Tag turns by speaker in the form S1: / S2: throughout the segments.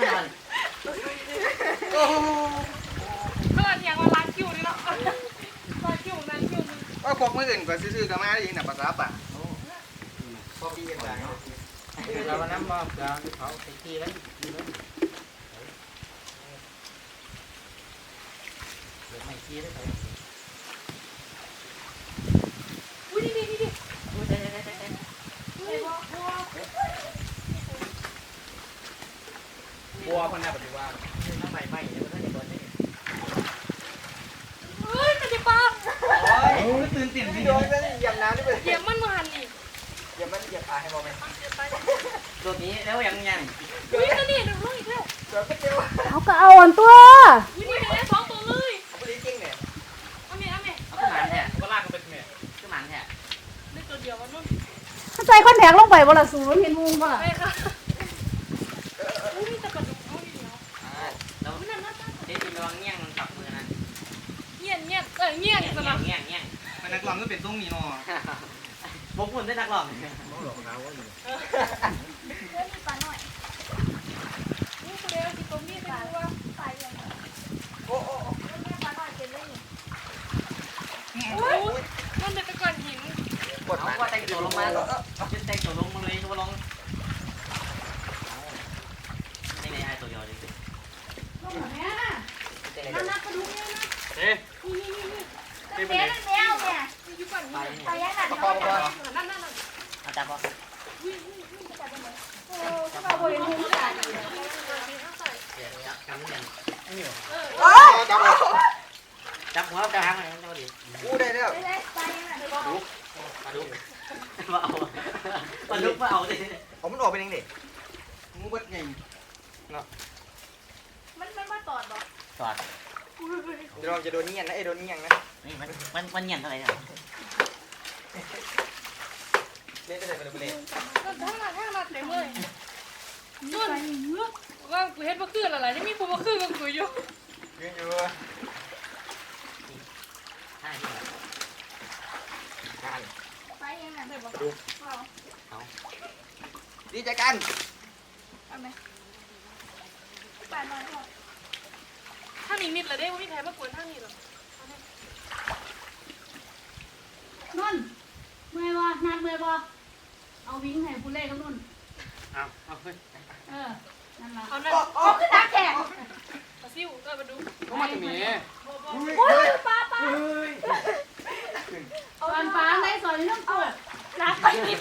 S1: มัน
S2: โอ้
S3: ก็อย่างว่าร้านคิวนี่เนาะร้านคิว
S2: ว่าพวกมืออื่นก็ซื้อๆกันมาได้ยินแต่ภาษาป่าพอดีกันได้
S1: เราน้ำบอกเราเขาไปทีแล้วไม่ทีแล้วเขา
S3: อุ้ยนี่
S1: อุ้ยได้
S2: บัวคนน่ะปฏิวัติ
S1: น้ำใหม่เนี่ยมันได้บอลนี่
S3: เฮ้ยมันจะปัง
S2: โอ้ยตื่นติ่มพี่โดนแล้วเหยียบน้ำนี่ไป
S3: เหยียบมันมาหันนี่
S2: เหยียบมันเหยียบปลาให้บอกไหม
S1: ตัวนี้แล้วยัง
S3: อุ้ยนี่ดูลูกอีกแล้ว
S4: เขาก็เอาอันตัว
S3: อุ้ยนี่ได้สองตัวเลย
S2: ไม่ได้จริงเนี่ย
S3: เอาเมย์
S1: เอาขึ้นมาแท้
S2: ก็ลากกันไปเมย์
S1: ขึ้นมาแท้
S3: ได้ตัวเดียวมันนู่น
S4: เข้าใจคอนแทคลงไปบ่ล่ะสูนเห็นมุงบ่ล่ะ
S3: ไปค่ะอุ้ยมีแต่กระดูกเอาดีเนาะ
S1: แล้วเด็กมีระวังเงี้ยงกับมือนะ
S3: เงี้ยสำหรับ
S1: เงี้ย
S2: มันนักร้องก็เป็นต้องมีนอ
S1: ผมคนได้นักร้อง
S2: น้องหลอกน้าว่าอยู่
S3: เรื่องมีปลาหน่อยนี่คนเดียวที่ตรงนี้ไปดูว่าปลาอย่างไรโอ้ปลาหน่อยเป็นเรื่องมันเป็นตะกอนหิน
S1: เอาว่าแต่งตัวลงมาจะแต่งตัวลงมาเลยตัวลงนี่ไงไอ้ตัวเดียวเลย
S3: น่ากระดูกเนี่ยนะ
S2: เอ๊ะ
S3: นี่แมวเนี่ยอยู่ฝั่งนี้ไปยังไงนั่น
S1: อาจารย์บอก
S3: โอ้ก็มาบริโภคจ่าย
S1: จับหัวจะหางอะไรเจ้าดิ
S2: อู้ได้แล้ว
S1: มาดูมาเอามาลุกมาเอาดิ
S2: ผมมันออกเป็นยังไงงูเบิดไงเนาะ
S3: มันมาตอดหรอ
S1: ตอด
S2: เดี๋ยวเราจะโดนเงี้ยนะไอ้โดนเงี้ยนะ
S1: นี่มันเงี้ยเท่าไหร่เนี่ย
S2: เล่นได้เลยไปเลย
S3: ทั้งหลัดเต็มเลยนุ่นว่ากูเห็นว่าคืออะไรนี่มีผู้ว่าคือกับกูอยู่
S2: อยู่
S3: ไปยังไงได้บอก
S2: ดูดีใจกัน
S3: เอาไหมไปหน่อยถ้ามีมิดเลยได้ว่ามีแพ้มากกว่าท่านี้หรอ
S4: นุ่นเมื่อยบ่นัดเมื่อยบ่เอาวิ่งให้ผู้เล่นกับนุ่น
S1: เอาขึ้น
S4: นั่นล่ะ
S3: เอานั่นเอาขึ้นตาแข็งมาซิวก็มาดู
S2: ก็มาตรงนี้
S3: โอ้ยปลา
S4: เอาอันปลาในซอยน้ำตัว
S3: รักไปนิด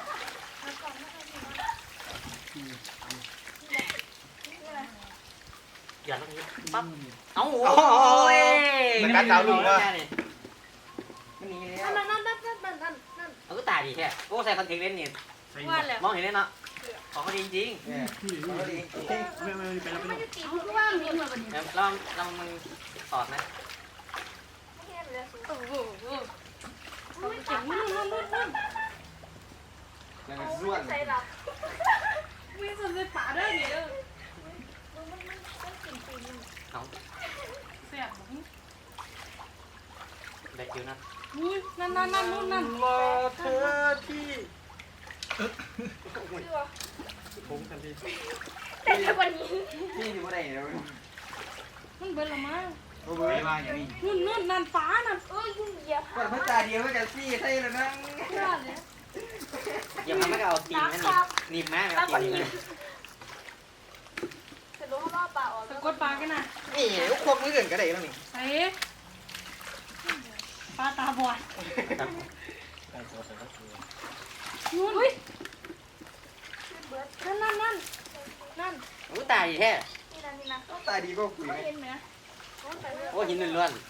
S1: อย่าลงนี้ปั๊บเอาโ
S2: อ้ยมันกัดดาวลุงว่ะ
S3: นั่น
S1: เอาก็ตายดีแค่โอ้ใส่คอนเทนต์เล่นนี่มองเห็นเลยเนาะของเขาดีจริง
S4: เอาคือว่ามีเหมือนกันนี่
S1: ลองมึงตอดนะ
S3: โอ้โหเก่งนุ่น
S2: แล้วมันร่วน
S3: ไม่สนใจป่าได้เนี่ย
S1: เอา
S3: เสียบ
S1: เด็กอยู่นะ
S3: อุ้ยนั่นนุ่น
S2: รอเธอที่ผมทันที
S3: แต่ในวันนี้
S2: ที่อยู่ไหนแล้ว
S3: มันเบิร์ละมั้ง
S2: เบิร์มาอย่างนี้
S3: นุ่นนั่นฟ้านั่นยุ่งเหยียบ
S2: เปิดพระตาเดียวไม่กันซี่ใช่แล้วนะ
S1: อย่ามาไม่เอาตีนนะนี่มากนะตีนนี่
S3: จะรู้ว่าปลาออกสะกดปลากันนะ
S2: นี่พวกมืออื่นก็ได้แล้วนี่
S3: เอ๊ะปลาตาบอดอุ้ยนั่น
S1: โอ้ตายแท้
S3: นี่นะ
S2: ตายดีก็คุยไหม
S1: โอ้หินล้วน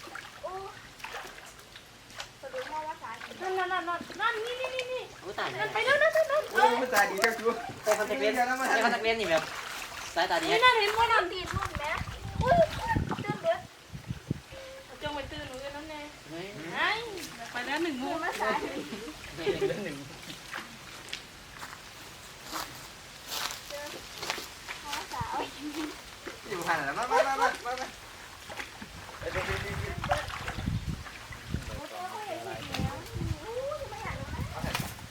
S3: นั่นนี่
S1: โอ้ตาย
S3: ไปแล้วนั่น
S2: ตายดีก็คือ
S1: ใส่คอนแทคเลนส์นี่แบบสายตาดี
S3: นั่นเห็นว่านั่นตีนุ่นแม่อุ้ยตื่นเด้อจงไปตื่นหนูกันนั่นแน่ไปแล้ว1 โมงมาสาย
S2: อยู่ผ่านแล้วมา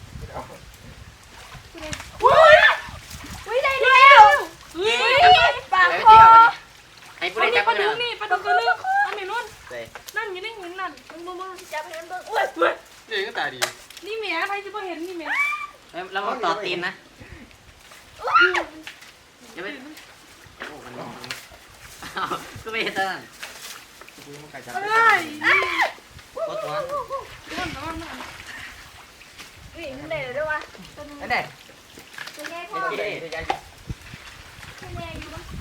S3: อุ้ยได้แล้วปลามันเบิ่งอุ้ย
S2: นี่ก็ตาดี
S4: นี่แม่ใครจะบ่เห็นนี่แม่
S1: แล้วมันต่อตีนนะจะไม่โอ้มันก็ไม่เห็นตอนนั้น
S2: กูมันไก่จับ
S4: เอ้ยนี่
S1: ตัวตัว
S4: มันมัน
S3: นี่มันได้เลยด้วยวะ
S2: ไอ้เด็ก
S3: ตัวแง่
S2: ไอ้
S3: พ่อ
S2: เด็กไอ้เด็ก
S3: ตัวแง่อยู่มั้ง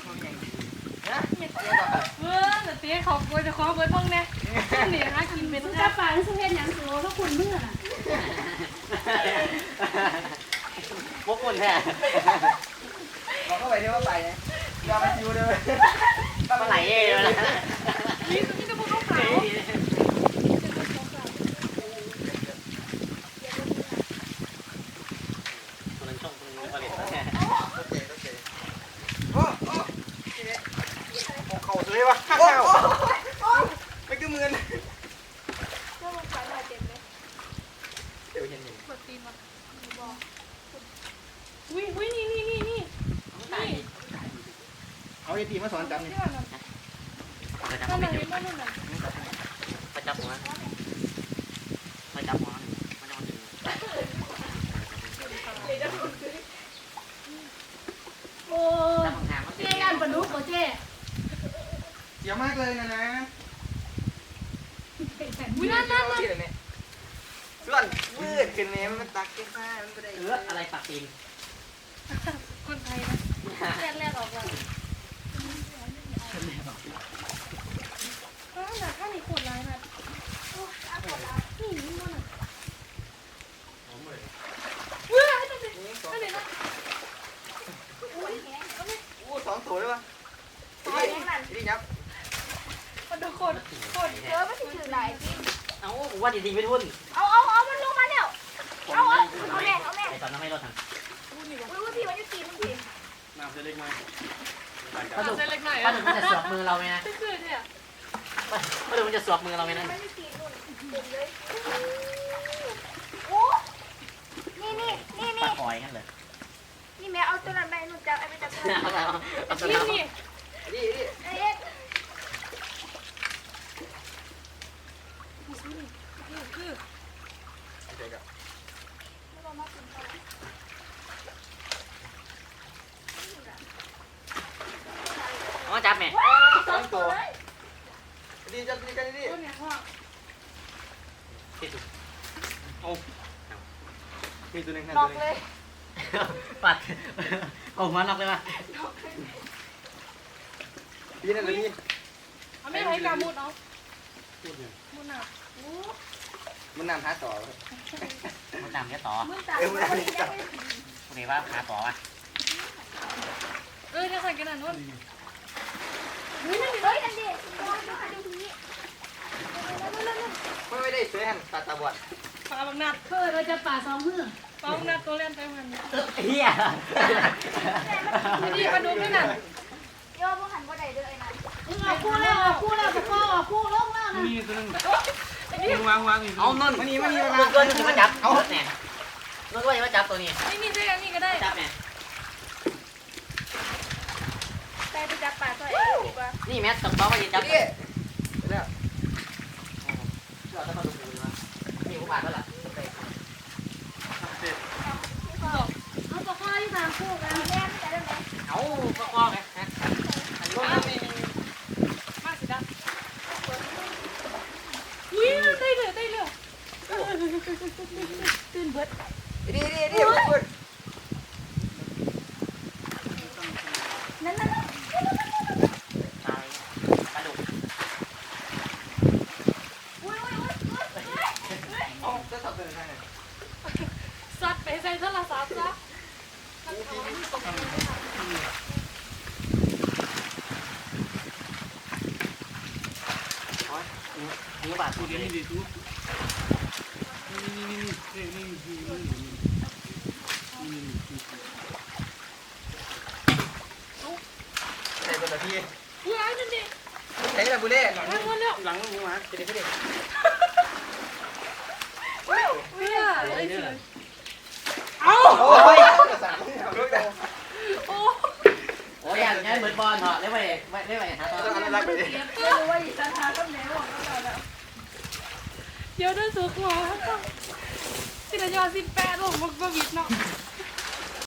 S4: แต่เตี้ยเขากลัวจะขอเบิร์ดห้องแน่นี่ฮะกินเป็น
S5: กระป๋าสุเฮ็ดหยังสูถ้าคุณมือน่ะ
S1: พวกคนแท้
S2: บอกเข้าไปเดี๋ยวว่าไปนะยอมไปชิวเลย
S1: ปลาไหลเองเลยนะ
S4: นี่จะพูดเขาขาว
S1: คนนั้นช่องคนนู้นผลิตแท้
S2: โอ้โอ้เข่าเลยวะข้าวไม่ก็มือน
S3: พวกมันปลาหน่อยเต็มเลย
S2: เดี๋ยวเห็นหนึ่ง
S4: กดตีนมาอุ้ยนี่
S2: เอาไอ้ตีมาสอนจับนี่
S4: ที่ว่านั่น
S1: ไปจับ
S4: นั่น
S1: ไม่
S4: น่ะ
S1: อยู่
S4: เห็นนั่นน่ะ
S1: ไปจับหัวไปจับหัวมันจะมาถึง
S5: โอ้
S1: จับของแถมมัน
S5: เจ๊ย่านปลาดุกบ่เจ๊
S2: เสียวมากเลยนะ
S4: อุ้ยนั่น
S2: ส่วนมืดขึ้นเนี่ยมันตักแค่ข้ามันก็ได้
S1: อะไรปักตีน
S4: คนไทยนะ
S3: แรกออกมา
S4: ข้างนี้ขวดร้ายนะนี่นี่มันอ่ะเว้ยนั่นเลยนั่นเลยนะ
S2: อู้สองตัวเลยวะ
S3: ตายแน่นั่น
S2: นี่ยับ
S4: มันโดนโคตร
S3: ไม่ถึงถือไหนพี่
S1: เอ้าว่าจริงๆไม่ทุ่น
S3: เอามันลงมาแล้วเอาแม่
S1: ไอ้ตอนนั้นไม่รถทาง
S3: อุ้ยพี่มันจะตีมันพี่
S2: น้ำจะเล็กไหม
S1: ปลาดุก
S4: เล็กหน่อย
S1: ปลาดุกมันจะสวบมือเราไหมนะ
S4: คือเนี่ย
S1: ปลาดุกมันจะสวบมือเราไหมนะ
S3: มันจะตีนู่นเต็มเลยโอ้นี่
S1: ปลาคอยงั้นเลย
S3: นี่แม่เอาตัวนั้นไปนู่นจับไอ้ไปจับตัวนั้น
S1: เอาตัว
S4: นี่
S1: นั้น
S4: นี่
S2: นี่นี่
S3: เอ๊ะ
S4: คือ
S2: เด็กอะ
S1: อ๋อจับแม่
S2: สองตัวดีจับดีกันดี
S4: ต้นเนี่ยพ่อ
S1: ที่สุด
S2: มีตัวหนึ่ง
S3: นอกเลย
S1: ปัดเอาหัวน็อกเลยป่ะ
S2: พี่นั่นเลยพี่
S4: เอาไม่ไรกามุดเอามุดหนัก
S2: มันนำหาต่อ
S1: มันจำแค่ต่อ
S3: มึงตาคนนี้ได้
S1: คุณเห็นว่าหาต่อป่ะ
S4: จะใส่กันหน่อยนู่น
S3: เฮ้ยนั่นดิมองดูค่ะดูทีนี้
S2: ไม่ได้ซื้อหันตาบอด
S4: ปลาบางนัด
S5: เพิ่นเราจะป่าสองมือ
S4: ปลาบางนัดตัวเล่นไปมัน
S1: เฮีย
S4: นี่ปลาดุกด้วยน่ะ
S3: ย่อพวกหันบ่ได้เด้อไอ้นั่น
S5: เอาคู่แล้วเอาคู่แล้วบ่พอเอาคู่ลงแล้วนะ
S2: มีตัวนึงวางอีก
S1: เอานน
S2: มันนี่มันนี่
S1: เกินที่มาจับเอาเนี่ยนนว่าจะมาจับตัวนี้
S4: นี่ได้นี่ก็ได้
S1: จับเนี่ย
S3: ไปจับปลาตัวเองดีกว่า
S1: นี่แม่ต้องบอกว่าจะจับ
S2: นี่แล้ว
S1: เราจะมาดูดูนะมีผู้บาดแล้วล่ะ
S5: เอาปลาข้อที่ทางคู่กัน
S3: แม่จะได้ไหม
S1: เอาก็คล้องไงฮะอันนี้
S4: มากสิดาอุ้ยได้เลย
S3: ตื่นเบิด
S2: นี่คุณ
S3: นั่น
S1: ตายปลาดุก
S3: อุ้ย
S2: เอาจะสับเป็นยังไง
S4: ซัดไปใส่โทรศัพท์ซะ
S1: นิ้วบาดตัวนี้
S2: ใส่เป็นพี่
S4: อุ้ยไอ้นั่นดิ
S2: ใส่แบบบุเล่
S4: หลังมันแล้ว
S2: หลังมึงมาจะได้ไม่ได้
S4: อุ้ยไอ้เสือ
S2: โอ้ยสั่งลูกแต่
S4: โอ้
S1: โอ้ยอย่างนี้เหมือนบอลเหรอเรียกว่าหาตัว
S2: ต้องรักไปดิ
S3: ไม่รู้ว่าอีสันทาก็แหนบอกก็เราแล้ว
S4: ย
S3: เดี๋ยวเดินสู่หัวที่ระยอง18โอ้มันก็วิดเนาะ